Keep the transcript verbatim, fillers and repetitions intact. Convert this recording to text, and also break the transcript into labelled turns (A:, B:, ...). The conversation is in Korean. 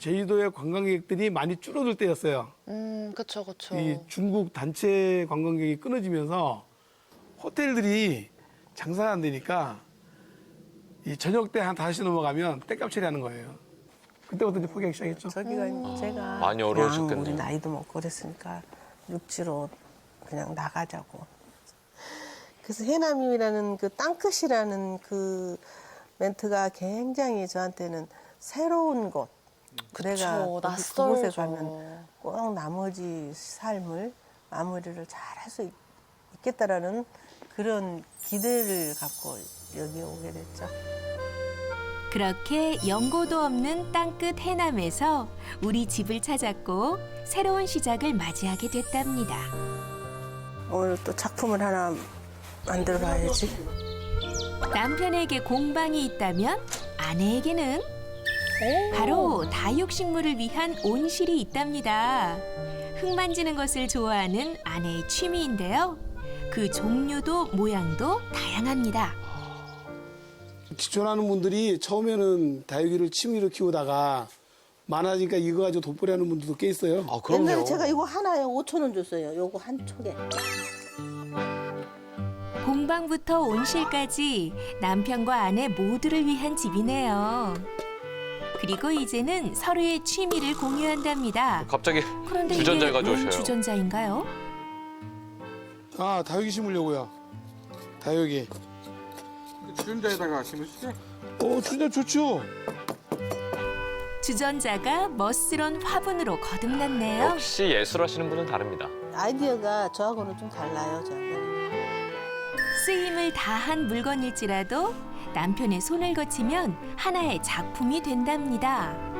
A: 제주도의 관광객들이 많이 줄어들 때였어요.
B: 음, 그쵸, 그쵸.
A: 이 중국 단체 관광객이 끊어지면서 호텔들이 장사가 안 되니까 이 저녁 때 한 다섯 시 넘어가면 땡값 처리하는 거예요. 그때부터 이제 포기하기 시작했죠.
C: 저기가 이제 제가
D: 많이
C: 그냥
D: 어려우셨겠네요.
C: 우리 나이도 먹고 그랬으니까 육지로 그냥 나가자고. 그래서 해남이라는 그 땅끝이라는 그 멘트가 굉장히 저한테는 새로운 곳. 내가
B: 그쵸,
C: 거기 그곳에
B: 낯설죠.
C: 가면 꼭 나머지 삶을 마무리를 잘 할 수 있겠다라는 그런 기대를 갖고 여기 오게 됐죠.
E: 그렇게 연고도 없는 땅끝 해남에서 우리 집을 찾았고 새로운 시작을 맞이하게 됐답니다.
C: 오늘 또 작품을 하나 만들어 봐야지.
E: 남편에게 공방이 있다면 아내에게는 바로 다육식물을 위한 온실이 있답니다. 흙 만지는 것을 좋아하는 아내의 취미인데요. 그 종류도 모양도 다양합니다.
A: 기촌하는 분들이 처음에는 다육이를 취미로 키우다가 많아지니까 이거 가지고 돈벌이 하는 분들도 꽤 있어요.
D: 아,
C: 옛날에
D: 그럼요.
C: 제가 이거 하나에 오천 원 줬어요. 요거 한 촉에.
E: 공방부터 온실까지 남편과 아내 모두를 위한 집이네요. 그리고 이제는 서로의 취미를 공유한답니다.
D: 갑자기
E: 그런데
D: 주전자를
E: 이게 웬
D: 가져오셔요.
E: 주전자인가요?
A: 아, 다육이 심으려고요. 다육이.
F: 주전자에다가 심으시죠?
A: 어, 진짜 좋죠.
E: 주전자가 멋스런 화분으로 거듭났네요.
D: 역시 예술하시는 분은 다릅니다.
C: 아이디어가 저하고는 좀 달라요. 저하고는.
E: 쓰임을 다한 물건일지라도 남편의 손을 거치면 하나의 작품이 된답니다.